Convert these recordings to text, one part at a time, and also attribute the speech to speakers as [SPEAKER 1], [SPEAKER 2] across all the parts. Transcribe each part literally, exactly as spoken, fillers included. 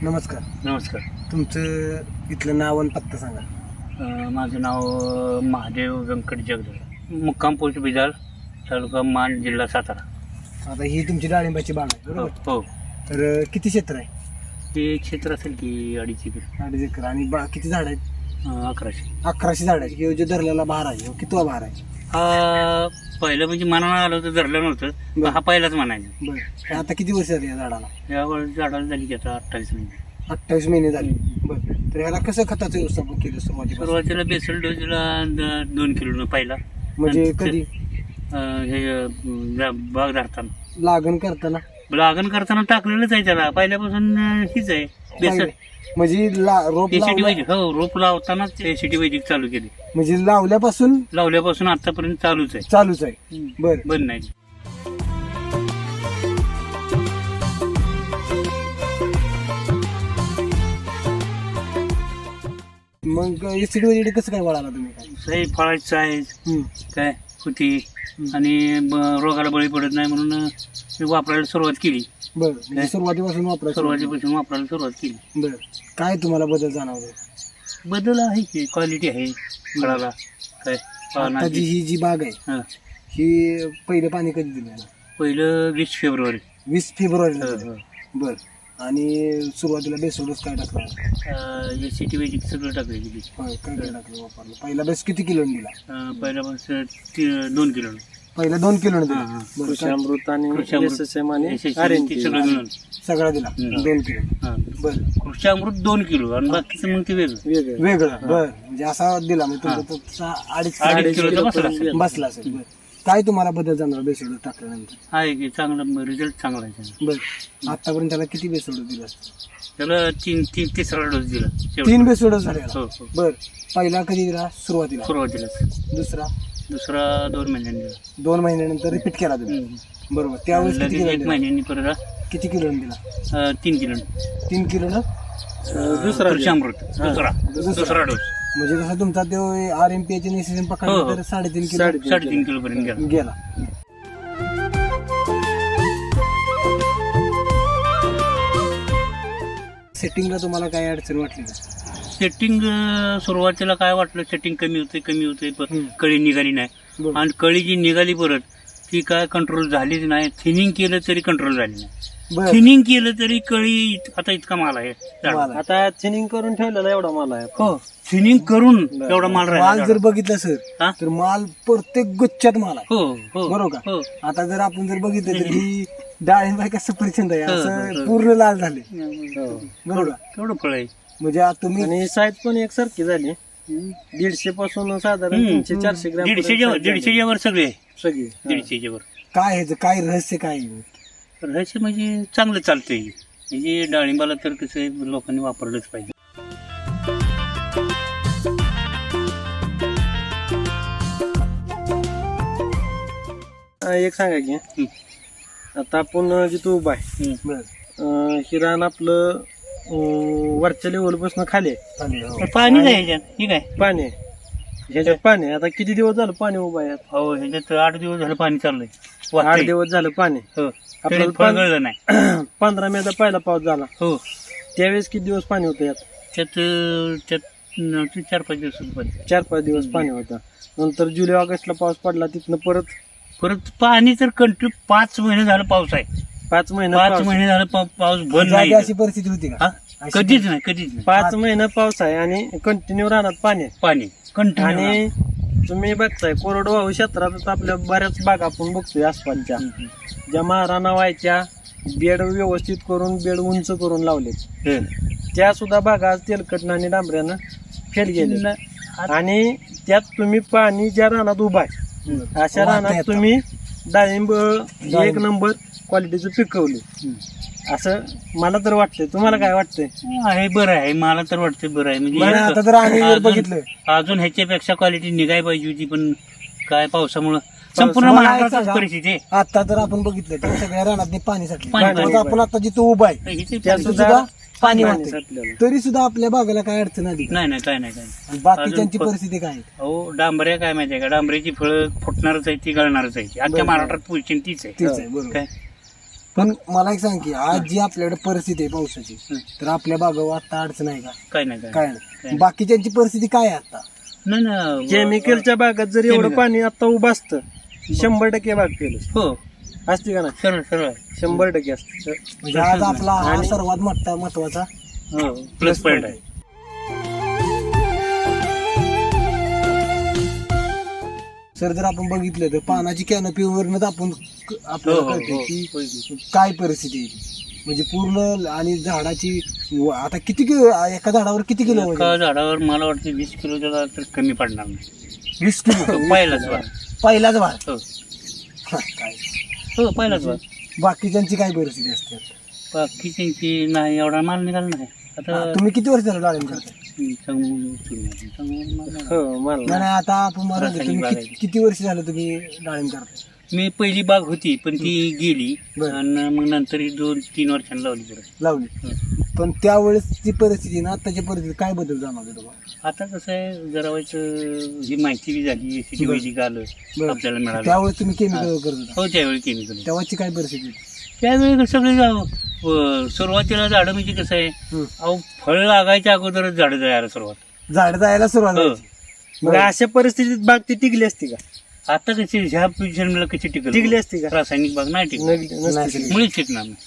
[SPEAKER 1] नमस्कार.
[SPEAKER 2] नमस्कार.
[SPEAKER 1] तुमचं इथलं नाव आणि पत्ता सांगा.
[SPEAKER 2] अ, माझं नाव अ, महादेव व्यंकट जगदळ, मुक्काम पोस्ट बिदाल, तालुका मान, जिल्हा सातारा.
[SPEAKER 1] आता ही तुमची डाळिंबाची बाग आहे
[SPEAKER 2] हो
[SPEAKER 1] बरोबर.
[SPEAKER 2] हो.
[SPEAKER 1] तर अं, किती क्षेत्र आहे?
[SPEAKER 2] ते क्षेत्र असेल की अडीच एकर.
[SPEAKER 1] अडीच एकर. आणि बा किती झाड आहेत?
[SPEAKER 2] अ, अकराशे.
[SPEAKER 1] अकराशे झाड आहेत. किंवा जो धरलेला भार आहे ह्यो कितवा भार आहे?
[SPEAKER 2] हा पहिलं म्हणजे मनानं आलं तर धरलं नव्हतं, पण हा पहिलाच म्हणायचं.
[SPEAKER 1] बरं. आता किती वर्ष झाली या झाडाला?
[SPEAKER 2] यावेळी झाडाला झाली की आता अठ्ठावीस महिने.
[SPEAKER 1] अठ्ठावीस महिने झाले. बरं. तर ह्याला कसं खताचं व्यवस्थापन केलं सुरुवातीला?
[SPEAKER 2] सुरुवातीला बेसल डोसला द- दोन किलो पहिला.
[SPEAKER 1] म्हणजे
[SPEAKER 2] आणि
[SPEAKER 1] कधी
[SPEAKER 2] अ, हे अ, बाग धरताना
[SPEAKER 1] लागण करताना?
[SPEAKER 2] लागण करताना टाकलेलंच आहे त्याला पहिल्यापासून. अ, हीच आहे बेसल.
[SPEAKER 1] म्हणजे ला- रोप
[SPEAKER 2] एसीटी
[SPEAKER 1] लावल्या-
[SPEAKER 2] वैदिक. हो, रोप लावतानाच एसीटी वैदिक चालू केली.
[SPEAKER 1] म्हणजे लावल्यापासून
[SPEAKER 2] लावल्यापासून आतापर्यंत चालूच आहे.
[SPEAKER 1] चालूच आहे. बरं.
[SPEAKER 2] बंद नाही.
[SPEAKER 1] मग एसिड वगैरे कसं काय वळाला तुम्ही काय?
[SPEAKER 2] सही फळाची साईज
[SPEAKER 1] हम्म.
[SPEAKER 2] काय होती आणि ब- रोगाला बळी पडत नाही म्हणून अ, मी वापरायला सुरुवात केली.
[SPEAKER 1] बरं. म्हणजे सुरुवातीपासून वापरायचं.
[SPEAKER 2] सुरुवातीपासून वापरायला सुरुवात केली.
[SPEAKER 1] बरं. काय तुम्हाला बदल जाणवले?
[SPEAKER 2] बदल आहे की क्वालिटी आहे फळाला. काय
[SPEAKER 1] आताची
[SPEAKER 2] पानाची.
[SPEAKER 1] ही जी बाग आहे
[SPEAKER 2] हा.
[SPEAKER 1] ही पहिलं पाणी कधी दिलं?
[SPEAKER 2] पहिलं वीस फेब्रुवारी.
[SPEAKER 1] वीस फेब्रुवारीला
[SPEAKER 2] हो,
[SPEAKER 1] दिलं.
[SPEAKER 2] हो.
[SPEAKER 1] बर. आणि सुरुवातीला बेसोडस काय टाकला?
[SPEAKER 2] एसीटी वैदिक सगळं टाकायची ती.
[SPEAKER 1] होय, काय काय टाकलं वापरलं? पहिला बेस किती किलो दिला?
[SPEAKER 2] अ, पहिल्यापासून ती- दोन किलो.
[SPEAKER 1] पहिला दोन किलो दिला.
[SPEAKER 2] हा, हा.
[SPEAKER 1] बरं.
[SPEAKER 3] कृषामृत आणि
[SPEAKER 2] कृषामृत.
[SPEAKER 3] एस एस एम आणि
[SPEAKER 2] SSM
[SPEAKER 3] आर एन
[SPEAKER 2] ते
[SPEAKER 3] टी.
[SPEAKER 2] सगळं मिळून.
[SPEAKER 1] सगळा दिला.
[SPEAKER 2] हम्म.
[SPEAKER 1] दोन किलो.
[SPEAKER 2] हा.
[SPEAKER 1] बर.
[SPEAKER 2] कृषामृत दोन किलो आणि बाकीचं मग ते वेगळं.
[SPEAKER 3] वेगळं
[SPEAKER 1] वेगळं. बर. म्हणजे असा दिला म्हणजे
[SPEAKER 2] हा.
[SPEAKER 1] तुमचा तसा अडीच
[SPEAKER 2] अडीच किलोचा
[SPEAKER 1] किलो
[SPEAKER 2] बसला असेल.
[SPEAKER 1] बसला असेल. बरं. काय तुम्हाला बदल जाणार बेसोडस टाकल्यानंतर?
[SPEAKER 2] आहे की चांगला रिझल्ट चांगला आहे त्याचा.
[SPEAKER 1] बर. आतापर्यंत त्याला किती बेसोडस दिला?
[SPEAKER 2] त्याला तीन तीन तिसरा डोस दिला शेवटी.
[SPEAKER 1] तीन बेसोडस झाले.
[SPEAKER 2] हो हो.
[SPEAKER 1] बर. पहिला कधी दिला? सुरुवातीला.
[SPEAKER 2] सुरुवातीला.
[SPEAKER 1] दुसरा
[SPEAKER 2] दुसरा दोन महिन्यांनी दिला.
[SPEAKER 1] दोन महिन्यानंतर रिपीट केला तुम्ही.
[SPEAKER 2] हम्म.
[SPEAKER 1] बरोबर. त्यावेळेस किती
[SPEAKER 2] लगेच
[SPEAKER 1] किलो
[SPEAKER 2] एक
[SPEAKER 1] दिला?
[SPEAKER 2] महिन्यांनी परत
[SPEAKER 1] किती किलो दिला?
[SPEAKER 2] अ, तीन किलो.
[SPEAKER 1] तीन किलो ना?
[SPEAKER 3] दुसरा
[SPEAKER 2] कृषामृत दुसरा दुसरा डोस.
[SPEAKER 1] म्हणजे कसं तुमचा तो आर एम पी एच निसिजन
[SPEAKER 2] हो,
[SPEAKER 1] पकडला
[SPEAKER 2] हो.
[SPEAKER 1] तर साडेतीन किलो
[SPEAKER 3] साडेतीन.
[SPEAKER 2] साडेतीन किलो पर्यंत गेला.
[SPEAKER 1] गेला. सेटिंगला तुम्हाला काय अडचण वाटली का?
[SPEAKER 2] सेटिंग सुरुवातीला काय वाटलं, सेटिंग कमी होते कमी होते पण
[SPEAKER 1] हम्म.
[SPEAKER 2] कळी निघाली नाही.
[SPEAKER 1] बरं.
[SPEAKER 2] आणि कळी जी निघाली परत ती काय कंट्रोल झालीच नाही. थिनिंग केलं तरी कंट्रोल झाली नाही.
[SPEAKER 1] बरं.
[SPEAKER 2] थिनिंग केलं तरी कळी इत- आता इतका माल आहे झाडाला.
[SPEAKER 1] माल आहे.
[SPEAKER 3] आता थिनिंग करून ठेवलेला एवढा माल आहे.
[SPEAKER 2] हो, थिनिंग करून एवढा माल
[SPEAKER 1] माल
[SPEAKER 2] राहिला
[SPEAKER 1] जर बघितलं सर
[SPEAKER 2] हा?
[SPEAKER 1] तर माल प्रत्येक गुच्छात माल आहे.
[SPEAKER 2] हो हो
[SPEAKER 1] बरोबर का?
[SPEAKER 2] हो.
[SPEAKER 1] आता जर आपण जर बघितलं तर ही डाळिंब आहे का सफरचंद आहे
[SPEAKER 2] हो, हो,
[SPEAKER 1] असं
[SPEAKER 2] हो.
[SPEAKER 1] पूर्ण लाल झाले.
[SPEAKER 3] हो.
[SPEAKER 1] बरोबर का?
[SPEAKER 2] केवढं फळ आहे.
[SPEAKER 1] म्हणजे आता तुम्ही
[SPEAKER 3] आणि साईज पण एकसारखी झाली. दीडशे पासून साधारण
[SPEAKER 2] हम्म.
[SPEAKER 3] तीनशे चारशे ग्रॅम
[SPEAKER 2] दीडशेच्या वर
[SPEAKER 3] पर्यंत size
[SPEAKER 2] दीडशेच्या वर सगळे आहे.
[SPEAKER 3] झाली. सगळी
[SPEAKER 2] दीडशेच्या वर.
[SPEAKER 1] काय ह्याचं काय रहस्य काय आहे?
[SPEAKER 2] रहस्य म्हणजे चांगलं चालतंय. म्हणजे डाळिंबाला तर कसं आहे, लोकांनी वापरलंच पाहिजे.
[SPEAKER 3] हा, एक सांगा की
[SPEAKER 2] हम्म.
[SPEAKER 3] आता आपण जिथं उभा आहे
[SPEAKER 2] हम्म.
[SPEAKER 1] बरं.
[SPEAKER 3] अं, ही रान आपलं अं, वरच्या लेवल पासून खाली आहे.
[SPEAKER 1] चालेल. हो.
[SPEAKER 2] तर पाणी नाही ह्याच्यात. ठीक आहे.
[SPEAKER 3] पाणी आहे. ह्याच्यात पाणी आहे. आता किती दिवस झालं पाणी उभा आहे?
[SPEAKER 2] हो, ह्याच्यात आठ दिवस झालं पाणी चाललंय.
[SPEAKER 3] आठ
[SPEAKER 2] वाटतंय.
[SPEAKER 3] दिवस झालं पाणी.
[SPEAKER 2] हो.
[SPEAKER 3] आपल्याला
[SPEAKER 2] तरी फळ
[SPEAKER 3] पाणी-
[SPEAKER 2] गळलं नाही.
[SPEAKER 3] पंधरा मेचा पहिला पाऊस झाला.
[SPEAKER 2] हो.
[SPEAKER 3] त्यावेळेस किती दिवस पाणी होतं यात?
[SPEAKER 2] त्यात अं, त्यात अं, ते चार पाच दिवस पाणी.
[SPEAKER 3] चार पाच दिवस पाणी होतं. नंतर जुलै ऑगस्टला पाऊस पडला. तिथनं परत
[SPEAKER 2] परत पाणी तर कंटिन्यू पाच महिने झालं पाऊस आहे.
[SPEAKER 3] पाच महिने
[SPEAKER 2] पाच
[SPEAKER 3] पाऊस.
[SPEAKER 2] महिने झालं पा- पाऊस बंद
[SPEAKER 1] जागी
[SPEAKER 2] नाही.
[SPEAKER 1] अशी परिस्थिती होती का?
[SPEAKER 2] हा? कधीच नाही कधीच नाही.
[SPEAKER 3] पाच महिने पाऊस आहे आणि कंटिन्यू राहणार पाणी आहे.
[SPEAKER 2] पाणी कंटिन्यू.
[SPEAKER 3] आणि तुम्ही बघताय कोरडवाहू क्षेत्रात आपल्या बऱ्याच बागा आपण बघतोय आसपासच्या ज्या महाराणा व्हायच्या बेड व्यवस्थित करून बेड उंच करून लावले त्या सुद्धा बागा आज तेलकटनं आणि डांबऱ्यानं फेल गेले. आणि त्यात तुम्ही पाणी ज्या रानात उभा आहे अशा
[SPEAKER 1] वाहता
[SPEAKER 3] रानात
[SPEAKER 1] येतं.
[SPEAKER 3] तुम्ही डाळिंब एक नंबर क्वालिटीचं पिकवले असं मला तर वाटतंय. तुम्हाला काय वाटतंय?
[SPEAKER 2] आहे बरं आहे. मला तर वाटतं बरं आहे.
[SPEAKER 1] बरं,
[SPEAKER 2] म्हणजे
[SPEAKER 1] आता तर आम्ही जर
[SPEAKER 2] अजून-
[SPEAKER 1] बघितलं
[SPEAKER 2] अजून ह्याच्यापेक्षा क्वालिटी निघाय पाहिजे होती पण काय पावसामुळं संपूर्ण
[SPEAKER 1] मला
[SPEAKER 2] महाराष्ट्रात
[SPEAKER 1] सांगा.
[SPEAKER 2] परिस्थिती आहे.
[SPEAKER 1] आता तर आपण बघितलं तर सगळ्या रानात पाणी साठले.
[SPEAKER 2] पाणी-
[SPEAKER 1] आता
[SPEAKER 3] पाणी-
[SPEAKER 1] आपण आता जिथं उभा आहे
[SPEAKER 2] इथे
[SPEAKER 3] त्या
[SPEAKER 1] तिथं
[SPEAKER 3] सुद्धा
[SPEAKER 1] सुद्धा पाणी
[SPEAKER 3] पाणी
[SPEAKER 1] वाहतंय.
[SPEAKER 3] साठलेलं.
[SPEAKER 1] तरी सुद्धा आपल्या बागाला काय अडचण आली का?
[SPEAKER 2] नाही नाही काय नाही काय नाही.
[SPEAKER 1] आणि बाकीच्यांची
[SPEAKER 2] अजून प-
[SPEAKER 1] परिस्थिती काय आहे?
[SPEAKER 2] अहो डांबऱ्या काय माहितीये का, डांबऱ्याची फळं फुटणारच आहे ती गळणारच आहे ती. अख्ख्या
[SPEAKER 1] बरोबर.
[SPEAKER 2] महाराष्ट्रात पोझिशन तीच आहे.
[SPEAKER 1] तेच आहे बरोबर.
[SPEAKER 2] काय
[SPEAKER 1] पण मला एक सांग की आज जी आपल्याकडे परिस्थिती आहे पावसाची तर आपल्या बागावर आता अडचण आहे का?
[SPEAKER 2] काय नाही काय
[SPEAKER 1] काय
[SPEAKER 2] नाही.
[SPEAKER 1] नाही. बाकीच्यांची परिस्थिती काय आहे आता?
[SPEAKER 2] नाही ना
[SPEAKER 3] केमिकलच्या बागात जर एवढं
[SPEAKER 2] Chemical.
[SPEAKER 3] पाणी आता उभं असतं शंभर टक्के बाग केलं
[SPEAKER 2] हो
[SPEAKER 3] असते का ना
[SPEAKER 2] सरळ सरळ
[SPEAKER 3] शंभर टक्के असतं
[SPEAKER 1] म्हणजे आज आपला हा
[SPEAKER 3] आणि-
[SPEAKER 1] सर्वात मोठा महत्वाचा
[SPEAKER 2] हो प्लस पॉईंट आहे.
[SPEAKER 1] सर जर आपण बघितलं तर पानाची कॅनपीवरनच आपण क-
[SPEAKER 2] हो
[SPEAKER 1] आपल्याला
[SPEAKER 2] हो
[SPEAKER 1] कळतं
[SPEAKER 2] हो
[SPEAKER 1] की
[SPEAKER 2] होय की.
[SPEAKER 1] काय परिस्थिती आहे ती. म्हणजे पूर्ण आणि झाडाची व- आता किती किलो एका झाडावर किती किलो
[SPEAKER 2] एका
[SPEAKER 1] वजन?
[SPEAKER 2] झाडावर मला वाटतं वीस किलोच्या झाड तर कमी पडणार नाही.
[SPEAKER 1] वीस किलो
[SPEAKER 2] पहिलाच वार
[SPEAKER 1] पहिलाच भार
[SPEAKER 2] हो
[SPEAKER 1] हा, काय
[SPEAKER 2] हो पहिलाच वार.
[SPEAKER 1] बाकीच्यांची काय परिस्थिती असते?
[SPEAKER 2] बाकी त्यांची नाही एवढा माल निघाला नाही आता
[SPEAKER 1] तुम्ही किती वर्ष झालं डाळिंब करताय?
[SPEAKER 2] चांगलं चांगलं- चांगलं माल नाही.
[SPEAKER 3] हो मला
[SPEAKER 1] नाही नाही, आता आपण मला
[SPEAKER 2] रासायनिक
[SPEAKER 1] तुम्ही
[SPEAKER 2] बाग
[SPEAKER 1] किती-
[SPEAKER 2] आहे.
[SPEAKER 1] किती वर्ष झालं तुम्ही डाळिंब करताय?
[SPEAKER 2] मी पहिली बाग होती पण ती गेली
[SPEAKER 1] बरं.
[SPEAKER 2] आणि मग नंतर ही दोन तीन वर्षांनी लावली परत.
[SPEAKER 1] लावली पण त्यावेळेसची परिस्थिती ना आताच्या परिस्थिती काय बदल जाणवते तुम्हाला?
[SPEAKER 2] आता कसं आहे जरा व्हायचं ही माहिती बी झाली एसीटी
[SPEAKER 1] बरं.
[SPEAKER 2] वैदिक आलं
[SPEAKER 1] बरं.
[SPEAKER 2] आपल्याला मिळालं
[SPEAKER 1] त्यावेळेस तुम्ही केमिकल करत होता
[SPEAKER 2] हो त्यावेळी केमिकल
[SPEAKER 1] तेव्हाची काय परिस्थिती होती?
[SPEAKER 2] त्यावेळी सगळे जा- व- सुरुवातीला झाडं म्हणजे कसं आहे
[SPEAKER 1] हं.
[SPEAKER 2] अहो फळ लागायच्या अगोदरच झाडं जायला सुरुवात.
[SPEAKER 1] झाड जायला सुरुवात
[SPEAKER 2] हो.
[SPEAKER 1] व्हायची.
[SPEAKER 3] मग अशा परिस्थितीत बाग ती टिकली असती का
[SPEAKER 2] आता कशी ह्या पोझिशनला कशी टिकल
[SPEAKER 3] टिकली असती का
[SPEAKER 2] रासायनिक बाग नाही टिकल
[SPEAKER 3] नग- नसती
[SPEAKER 1] नाही
[SPEAKER 3] टिकली.
[SPEAKER 1] टिकली.
[SPEAKER 2] मुळीच टिकणार नाही.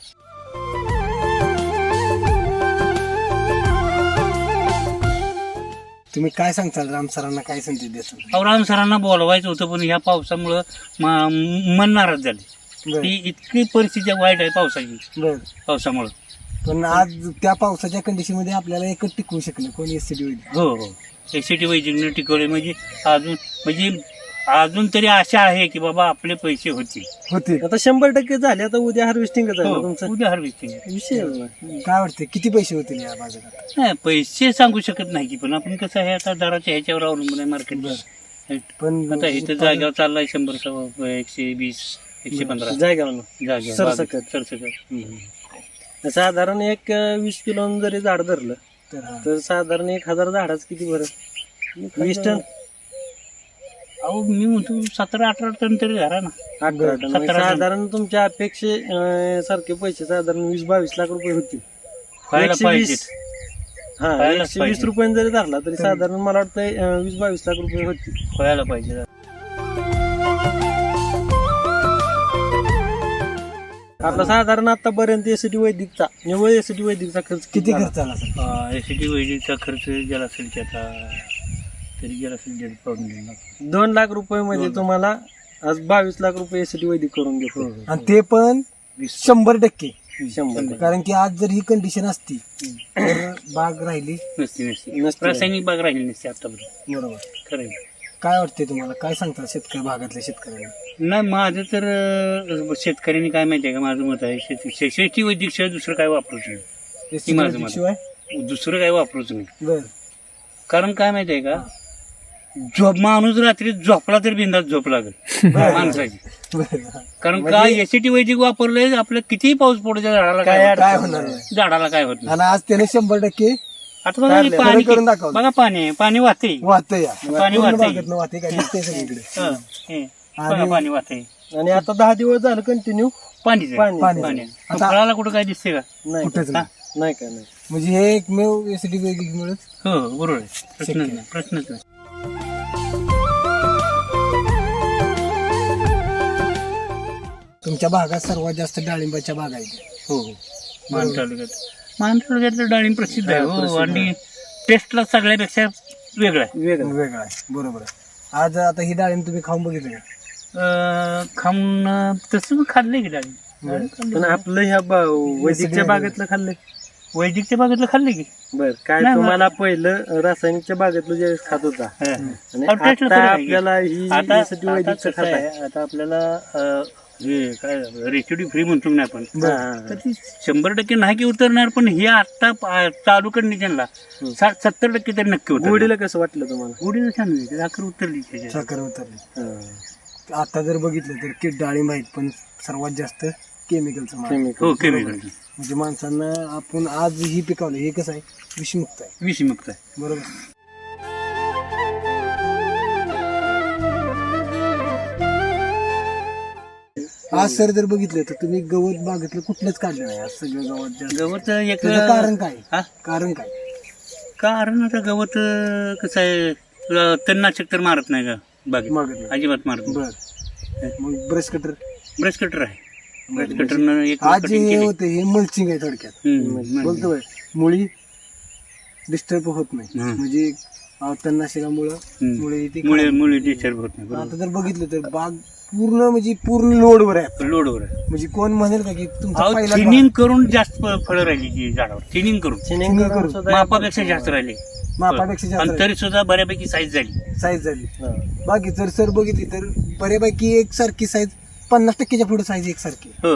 [SPEAKER 1] तुम्ही काय सांगताल राम सरांना काय संदेश देताल?
[SPEAKER 2] अहो राम सरांना बोलवायचं होतं पण ह्या पावसामुळं मा- मन नाराज झाले.
[SPEAKER 1] बर
[SPEAKER 2] ती इतकी परिस्थिती वाईट आहे पावसाची
[SPEAKER 1] बर
[SPEAKER 2] पावसामुळं.
[SPEAKER 1] पण आज त्या पावसाच्या कंडिशन मध्ये आपल्याला एकच टिकवू शकलं कोणी एसटी वैद्य.
[SPEAKER 2] हो हो एसीटी वैदिकने टिकवले म्हणजे अजून म्हणजे अजून तरी आशा आहे की बाबा आपले पैसे होतील.
[SPEAKER 1] होते.
[SPEAKER 3] आता शंभर टक्के झाले आता उद्या हार्वेस्टिंगच आहे ना
[SPEAKER 2] हो,
[SPEAKER 3] तुमचं
[SPEAKER 2] उद्या हार्वेस्टिंग आहे.
[SPEAKER 3] विषय नाही.
[SPEAKER 1] काय वाटते किती पैसे होतील या बाजारात?
[SPEAKER 2] नाही पैसे सांगू शकत नाही की पण आपण कसं आहे आता दराच्या ह्याच्यावर अवलंबून आहे मार्केट.
[SPEAKER 1] पण
[SPEAKER 2] आता इथं जागेवर चाललाय शंभर सव्वा एकशे वीस एकशे पंधरा
[SPEAKER 3] जायगाव ना
[SPEAKER 2] जागेवर
[SPEAKER 3] सरसकट.
[SPEAKER 2] सरसकट.
[SPEAKER 3] साधारण एक अं, वीस किलो जरी झाड धरलं
[SPEAKER 1] तर हा.
[SPEAKER 3] तर साधारण एक हजार झाडाच किती बरं वीस टन
[SPEAKER 2] अहो मी म्हणतो सतरा अठरा टन तरी धरा ना.
[SPEAKER 3] अठरा टन म्हणजे
[SPEAKER 2] सतरा टन.
[SPEAKER 3] साधारण तुमच्या अपेक्षे अं, सारखे पैसे साधारण वीस बावीस लाख रुपये होतील
[SPEAKER 2] व्हायला
[SPEAKER 3] एकशे
[SPEAKER 2] पाहिजे.
[SPEAKER 3] वीस हा
[SPEAKER 2] व्हायलाच
[SPEAKER 3] एकशे वीस
[SPEAKER 2] पाहिजे.
[SPEAKER 3] रुपये जरी धरला तरी साधारण मला वाटतं अं, वीस बावीस लाख रुपये होतील
[SPEAKER 2] व्हायला पाहिजे.
[SPEAKER 3] आपला साधारण आतापर्यंत एसीटी वैदिकचा निव्वळ एसीटी वैदिकचा खर्च
[SPEAKER 1] किती
[SPEAKER 3] झाला?
[SPEAKER 1] खर्च आला सर?
[SPEAKER 2] एसीटी वैदिकचा खर्च गेला असेल की आता तरी गेला असेल दीड पाऊण दीड लाख.
[SPEAKER 3] दोन लाख रुपये मध्ये तुम्हाला आज बावीस लाख रुपये एसीटी वैदिक करून घेतो
[SPEAKER 1] आणि ते पण शंभर टक्के.
[SPEAKER 3] शंभर टक्के.
[SPEAKER 1] कारण की आज जर ही कंडिशन असती तर बाग राहिली.
[SPEAKER 2] नसते नसते
[SPEAKER 3] नसते.
[SPEAKER 2] रासायनिक बाग राहिली नसते आतापर्यंत.
[SPEAKER 1] बरोबर.
[SPEAKER 2] खरं आहे.
[SPEAKER 1] काय वाटते तुम्हाला? काय सांगतात शेतकरी भागातल्या शेतकऱ्यांना?
[SPEAKER 2] नाही माझं तर अं, शेतकऱ्यांनी काय माहिती आहे का माझं मत आहे शेती शे- शेती वैदिक शिवाय दुसरं काय वापरूच नाही.
[SPEAKER 1] एसटी
[SPEAKER 2] माझं
[SPEAKER 1] वैदिक
[SPEAKER 2] मत.
[SPEAKER 1] शिवाय
[SPEAKER 2] दुसरं काय वापरूच नाही.
[SPEAKER 1] बर
[SPEAKER 2] कारण काय माहिती आहे का झोप माणूस रात्री झोपला तर बिंदास झोप लागेल माणसाची.
[SPEAKER 1] बर.
[SPEAKER 2] कारण
[SPEAKER 1] म्हणजे-
[SPEAKER 2] काय एसीटी वैदिक वापरलंय आपलं कितीही पाऊस पडू त्या झाडाला
[SPEAKER 1] काय
[SPEAKER 2] काय
[SPEAKER 1] काय होणार नाही.
[SPEAKER 2] होत- झाडाला काय होत नाही.
[SPEAKER 1] आणि आज त्याने शंभर टक्के
[SPEAKER 2] आता बघा हे
[SPEAKER 1] खरं
[SPEAKER 2] पाणी
[SPEAKER 1] करून दाखवलं.
[SPEAKER 2] बघा पाणी आहे. पाणी वाहते
[SPEAKER 1] वाहत या
[SPEAKER 2] पाणी
[SPEAKER 1] पूर्ण
[SPEAKER 2] वाहतंय.
[SPEAKER 1] बागेतनं वाहते काय दिसतंय सगळीकडे.
[SPEAKER 2] बघा
[SPEAKER 1] आणि-
[SPEAKER 2] पाणी वाहते
[SPEAKER 3] आणि आता दहा दिवस झालं कंटिन्यू
[SPEAKER 2] पाणीच आहे.
[SPEAKER 3] पाणी.
[SPEAKER 1] पाणी.
[SPEAKER 2] पाणी आहे.
[SPEAKER 1] आता-
[SPEAKER 2] फळाला कुठं काय दिसते का
[SPEAKER 3] नाही
[SPEAKER 1] कुठेच
[SPEAKER 3] का?
[SPEAKER 1] नाही.
[SPEAKER 3] नाही काय नाही
[SPEAKER 1] म्हणजे हे एकमेव एसटी वैदिक मुळे
[SPEAKER 2] हो बरोबर आहे प्रश्नच
[SPEAKER 1] शक्य.
[SPEAKER 2] नाही प्रश्नच नाही.
[SPEAKER 1] तुमच्या भागात सर्वात जास्त डाळिंबाच्या बागा आहेत.
[SPEAKER 2] हो हो मान तालुक्यात मान तालुक्यातलं डाळिंब प्रसिद्ध आहे
[SPEAKER 3] हा,
[SPEAKER 2] हो
[SPEAKER 3] प्रसिद्ध
[SPEAKER 2] आणि टेस्टला सगळ्यापेक्षा वेगळं आहे.
[SPEAKER 3] वेगळं
[SPEAKER 1] वेगळा आहे. बरोबर आहे. आज आता ही डाळिंब तुम्ही खाऊन बघितलं का?
[SPEAKER 2] अं, खाऊन अं, तसं मग खाल्लंय की डाळिंब
[SPEAKER 1] बरं.
[SPEAKER 3] पण आपलं ह्या बा- वैदिकच्या बागेतलं खाल्लंय
[SPEAKER 2] वैदिकच्या बागेतलं खाल्लंय की
[SPEAKER 3] बर काय
[SPEAKER 2] नाही,
[SPEAKER 3] तुम्हाला पहिलं रासायनिकच्या बागेतलं जे खात होता
[SPEAKER 2] हा.
[SPEAKER 3] आणि
[SPEAKER 2] अहो, taste ला
[SPEAKER 3] आता
[SPEAKER 2] फरक आहे की.
[SPEAKER 3] आपल्याला ही
[SPEAKER 2] आता
[SPEAKER 3] एसीटी
[SPEAKER 2] आता
[SPEAKER 3] वैदिकचं
[SPEAKER 2] कसं
[SPEAKER 3] खात
[SPEAKER 2] आहे,
[SPEAKER 3] आहे
[SPEAKER 2] आता आपल्याला अं, हे काय रेसिडी फ्री म्हणतो ना आपण
[SPEAKER 3] हा,
[SPEAKER 2] तर ती शंभर टक्के नाही की उतरणार पण हे आता पा- चालू कंडिशनला साठ सत्तर टक्के तरी नक्की उतरणार.
[SPEAKER 3] गोडीला कसं वाटलं तुम्हाला
[SPEAKER 2] गोडीला छान होती साखर उतरली त्याच्यात.
[SPEAKER 1] साखर उतरली.
[SPEAKER 3] हा.
[SPEAKER 1] आता जर बघितलं तर की डाळिंब आहेत पण सर्वात जास्त केमिकलचं माल.
[SPEAKER 3] केमिकल
[SPEAKER 2] हो केमिकल
[SPEAKER 1] म्हणजे माणसांना आपण आज ही पिकवलं हे कसं आहे विषमुक्त आहे.
[SPEAKER 2] विषमुक्त आहे.
[SPEAKER 1] बरोबर. आज सर जर बघितलं तर तुम्ही गवत बागेतलं कुठलंच काढलं नाही आज सगळं गवत जास्त.
[SPEAKER 2] गवत एक
[SPEAKER 1] त्याचं कारण काय
[SPEAKER 2] हा?
[SPEAKER 1] कारण काय
[SPEAKER 2] कारण आता गवत अं, कसं आहे तुला तणनाशक तर मारत नाही का बागेत
[SPEAKER 1] मागत
[SPEAKER 2] अजिबात मारत नाही.
[SPEAKER 1] बर मग ब्रश कटर
[SPEAKER 2] ब्रश कटर आहे ब्रश कटरनं एक
[SPEAKER 1] आज जे
[SPEAKER 2] कटिंग
[SPEAKER 1] हे
[SPEAKER 2] केली.
[SPEAKER 1] होते हे मल्चिंग आहे थोडक्यात
[SPEAKER 2] हम्म,
[SPEAKER 1] बोलतो बाय, मुळी डिस्टर्ब होत नाही
[SPEAKER 2] हम्म.
[SPEAKER 1] म्हणजे अं, तणनाशकामुळं
[SPEAKER 2] हम्म.
[SPEAKER 1] मुळे ती
[SPEAKER 2] मुळे
[SPEAKER 1] खराब.
[SPEAKER 2] मुळे डिस्टर्ब होत नाही
[SPEAKER 1] आता जर बघितलं तर बाग पूर्ण म्हणजे पूर्ण लोडवर आहे
[SPEAKER 2] बरोबर लोडवर आहे
[SPEAKER 1] म्हणजे कोण म्हणेल का की तुमचा
[SPEAKER 2] अहो
[SPEAKER 1] पहिला
[SPEAKER 2] थिनिंग करून जास्त फळं राहिली ती झाडावर थिनिंग करून
[SPEAKER 3] थिनिंग
[SPEAKER 1] थिनिंग
[SPEAKER 3] करून
[SPEAKER 1] करून.
[SPEAKER 3] सुद्धा
[SPEAKER 2] मापापेक्षा जास्त राहिले
[SPEAKER 1] मापापेक्षा
[SPEAKER 2] आणि
[SPEAKER 1] जास्त
[SPEAKER 2] तरी सुद्धा बऱ्यापैकी साईज झाली
[SPEAKER 1] साईज झाली
[SPEAKER 3] हा.
[SPEAKER 1] बाकी जर सर बघितली तर बऱ्यापैकी एक सारखी साईज पन्नास टक्केच्या पुढे साईज एक सारखी
[SPEAKER 2] हो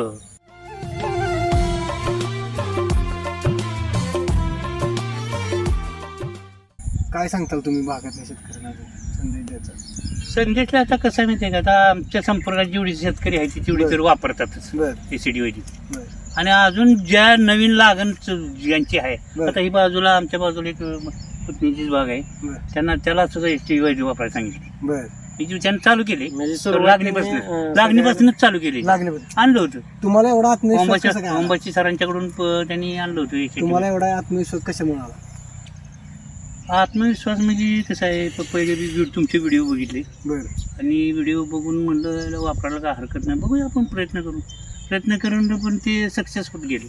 [SPEAKER 1] काय सांगताल तुम्ही भागातल्या शेतकऱ्यांना संदेश द्यायचा
[SPEAKER 2] संदेशला आता कसं आहे माहितीये का आता आमच्या संपर्कात जेवढी शेतकरी आहे ती तेवढी तर वापरतातच
[SPEAKER 1] बर
[SPEAKER 2] एसीडी वैदी
[SPEAKER 1] बर
[SPEAKER 2] आणि अजून ज्या नवीन लागण च- ज्यांची आहे
[SPEAKER 1] बरं.
[SPEAKER 2] आता ही बाजूला आमच्या बाजूला एक पुतणीचीच बाग आहे
[SPEAKER 1] बर
[SPEAKER 2] त्यांना त्याला सुद्धा एसटी वैदी वापरायला सांगितली
[SPEAKER 1] बर
[SPEAKER 2] ही जी त्यांनी चालू केली
[SPEAKER 3] म्हणजे
[SPEAKER 2] तर
[SPEAKER 3] सुरुवातीने,
[SPEAKER 2] लागणीपासून
[SPEAKER 3] अं,
[SPEAKER 2] लागणीपासूनच चालू केली
[SPEAKER 1] लागले बरं.
[SPEAKER 2] आणलं होतं
[SPEAKER 1] तुम्हाला एवढा आत्मविश्वास
[SPEAKER 2] ओंबाच्या
[SPEAKER 1] कसा काय आला?
[SPEAKER 2] ओंबाची सरांच्याकडून प- त्यांनी आणलं होतं एसीडी.
[SPEAKER 1] तुम्हाला एवढा आत्मविश्वास कशामुळे आला
[SPEAKER 2] आत्मविश्वास म्हणजे कसं आहे प- पहिले मी व्हिड- तुमचे व्हिडिओ बघितले
[SPEAKER 1] बर
[SPEAKER 2] आणि व्हिडिओ बघून म्हणलं याला वापरायला काय हरकत नाही बघूया आपण प्रयत्न करू प्रयत्न करून पण ते सक्सेस होत गेले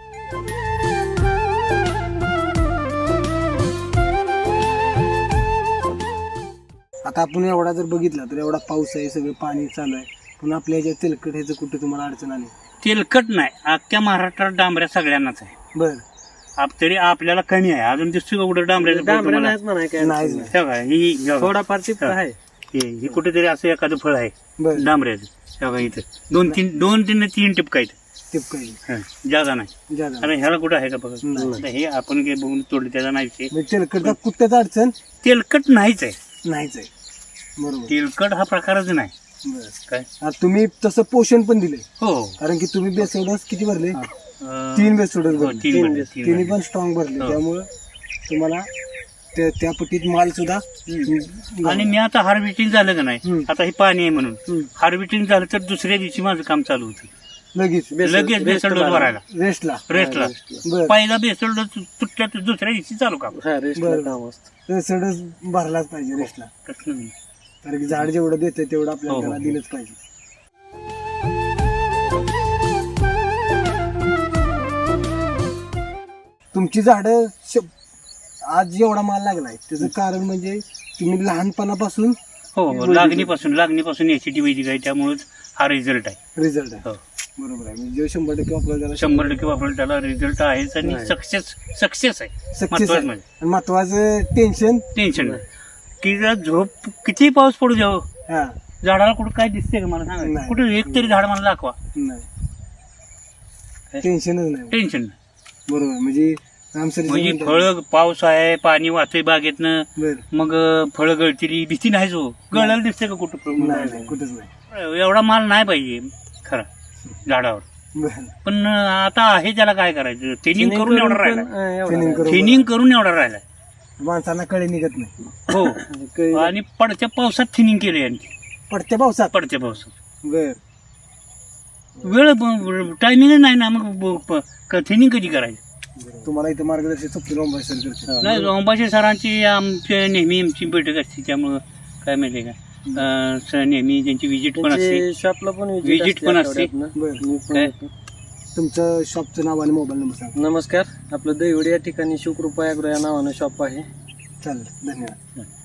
[SPEAKER 1] आता आपण एवढा जर बघितला तर एवढा पाऊस आहे सगळं पाणी चालू आहे पण आपल्या ह्याच्या तेलकट ह्याचं कुठे तुम्हाला अडचण आली
[SPEAKER 2] तेलकट नाही अख्ख्या महाराष्ट्रात डांबऱ्या सगळ्यांनाच आहे
[SPEAKER 1] बर
[SPEAKER 2] आप तरी आपल्याला कमी आहे अजून दिसतो का कुठं डांबऱ्याचं फळ
[SPEAKER 3] डांबऱ्या
[SPEAKER 2] तुम्हाला?
[SPEAKER 3] नाहीत म्हणा काय
[SPEAKER 1] नाही
[SPEAKER 3] अडचण
[SPEAKER 1] नाही.
[SPEAKER 2] हे बघा, ही ही बघा.
[SPEAKER 3] थोडाफार टिप्स
[SPEAKER 2] हा.
[SPEAKER 3] आहे
[SPEAKER 2] हे हे कुठेतरी असं एखादं फळ आहे
[SPEAKER 1] बर
[SPEAKER 2] डांबऱ्याचं हे बघा इथं दोन तीन दोन तीन तीन टिपका आहेत
[SPEAKER 1] टिपकाई
[SPEAKER 2] हं, जागा नाही
[SPEAKER 1] ज्यादा
[SPEAKER 2] अरे ह्याला कुठं आहे का बघा
[SPEAKER 1] नाही.
[SPEAKER 2] आता हे आपण काही बघून तोडले त्याचा नाही विषय
[SPEAKER 1] म्हणजे तेलकटचा कुठल्याच अडचण
[SPEAKER 2] तेलकट नाहीच आहे
[SPEAKER 1] नाहीच आहे बरोबर
[SPEAKER 2] तेलकट हा प्रकारच नाही
[SPEAKER 1] बर
[SPEAKER 2] काय
[SPEAKER 1] आता तुम्ही तसं पोषण पण दिले
[SPEAKER 2] हो
[SPEAKER 1] कारण की तुम्ही बेसोडस किती भरले
[SPEAKER 2] अं,
[SPEAKER 1] तीन बेसोडस
[SPEAKER 2] हो,
[SPEAKER 1] भरले
[SPEAKER 2] तीन भरले, तीन
[SPEAKER 1] तिन्ही
[SPEAKER 2] भरले.
[SPEAKER 1] पण स्ट्रॉंग भरले
[SPEAKER 2] हो.
[SPEAKER 1] त्यामुळं तुम्हाला त्या त्या पटीत माल सुद्धा
[SPEAKER 2] आणि मी आता हार्वेस्टिंग झालं का नाही
[SPEAKER 1] हम्म.
[SPEAKER 2] आता हे पाणी आहे म्हणून
[SPEAKER 1] हम्म.
[SPEAKER 2] हार्वेस्टिंग झालं तर दुसऱ्या दिवशी माझं काम चालू होतं
[SPEAKER 1] लगेच
[SPEAKER 2] लगेच बेसल डोस भरायला
[SPEAKER 1] रेस्टला
[SPEAKER 2] रेस्टला
[SPEAKER 1] बर
[SPEAKER 2] पहिला बेसल डोस तुटल्या तर दुसऱ्या दिवशी चालू काम
[SPEAKER 3] हा रेस्टला
[SPEAKER 1] बरं.
[SPEAKER 3] काम असतं
[SPEAKER 1] बेसोडस भरलाच पाहिजे रेस्टला
[SPEAKER 2] प्रश्न नाही.
[SPEAKER 1] कारण की झाड जेवढं देते तेवढं आपल्याला
[SPEAKER 2] हो,
[SPEAKER 1] त्याला
[SPEAKER 2] हो.
[SPEAKER 1] दिलंच पाहिजे तुमची झाडं श- आज एवढा माल लागलाय त्याचं कारण म्हणजे तुम्ही लहानपणापासून
[SPEAKER 2] हो हो लागणीपासून लागणीपासून एसीटी वैदिक आहे त्यामुळेच हा रिझल्ट आहे
[SPEAKER 1] रिझल्ट आहे
[SPEAKER 2] हो
[SPEAKER 1] बरोबर आहे म्हणजे शंभर टक्के आपल्याला त्याला
[SPEAKER 2] शंभर टक्के वापरलं त्याला रिझल्ट आहेच आणि
[SPEAKER 1] नाही.
[SPEAKER 2] सक्सेस सक्सेस आहे
[SPEAKER 1] सक्सेस
[SPEAKER 2] महत्वाचं
[SPEAKER 1] आहे
[SPEAKER 2] म्हणजे
[SPEAKER 1] आणि महत्वाचं टेन्शन
[SPEAKER 2] टेन्शन नाही की जर झोप किती पाऊस पडू द्यावं
[SPEAKER 1] हा
[SPEAKER 2] झाडाला कुठं काय दिसते का मला सांगा
[SPEAKER 1] नाही.
[SPEAKER 2] कुठं एक तरी झाड मला दाखवा
[SPEAKER 1] नाही टेन्शनच नाही
[SPEAKER 2] टेन्शन नाही
[SPEAKER 1] बरोबर म्हणजे आमचं
[SPEAKER 2] म्हणजे फळ पाऊस आहे पाणी वाहतंय बागेतनं
[SPEAKER 1] बर
[SPEAKER 2] मग फळं गळतील भीती नाही जो गळायला दिसते का कुठं
[SPEAKER 1] नाही नाही कुठंच नाही
[SPEAKER 2] एवढा माल नाही पाहिजे खरा झाडावर
[SPEAKER 1] बर
[SPEAKER 2] पण आता आहे त्याला काय करायचं थिनिंग करून एवढा राहिला
[SPEAKER 1] Thinning करून
[SPEAKER 2] थिनिंग करून एवढा राहिला
[SPEAKER 1] माणसांना कळे निघत नाही
[SPEAKER 2] हो
[SPEAKER 3] काही-
[SPEAKER 2] आणि पडत्या पावसात थिनिंग केली यांनी
[SPEAKER 1] पडत्या पावसात
[SPEAKER 2] पडत्या पावसात
[SPEAKER 1] बर
[SPEAKER 2] वेळ टायमिंग नाही ना मग थिनिंग कधी करायची
[SPEAKER 1] तुम्हाला इथं मार्गदर्शन चुकतील ओंबाई सर करते
[SPEAKER 2] नाही अंबाशी सरांची आमच्या नेहमी आमची बैठक असते त्यामुळं काय माहिती आहे का अं, स- नेहमी त्यांची विजिट पण असते
[SPEAKER 3] त्यांची शॉपला पण
[SPEAKER 2] Visit पण असते.
[SPEAKER 1] बर
[SPEAKER 3] मी पण
[SPEAKER 2] काय?
[SPEAKER 3] येतो.
[SPEAKER 1] तुमचं शॉपचं नाव आणि मोबाईल नंबर सांगा
[SPEAKER 3] नमस्कार आपलं दैवडी या ठिकाणी शिवकृपा ॲग्रो या नावानं शॉप आहे
[SPEAKER 1] चालेल धन्यवाद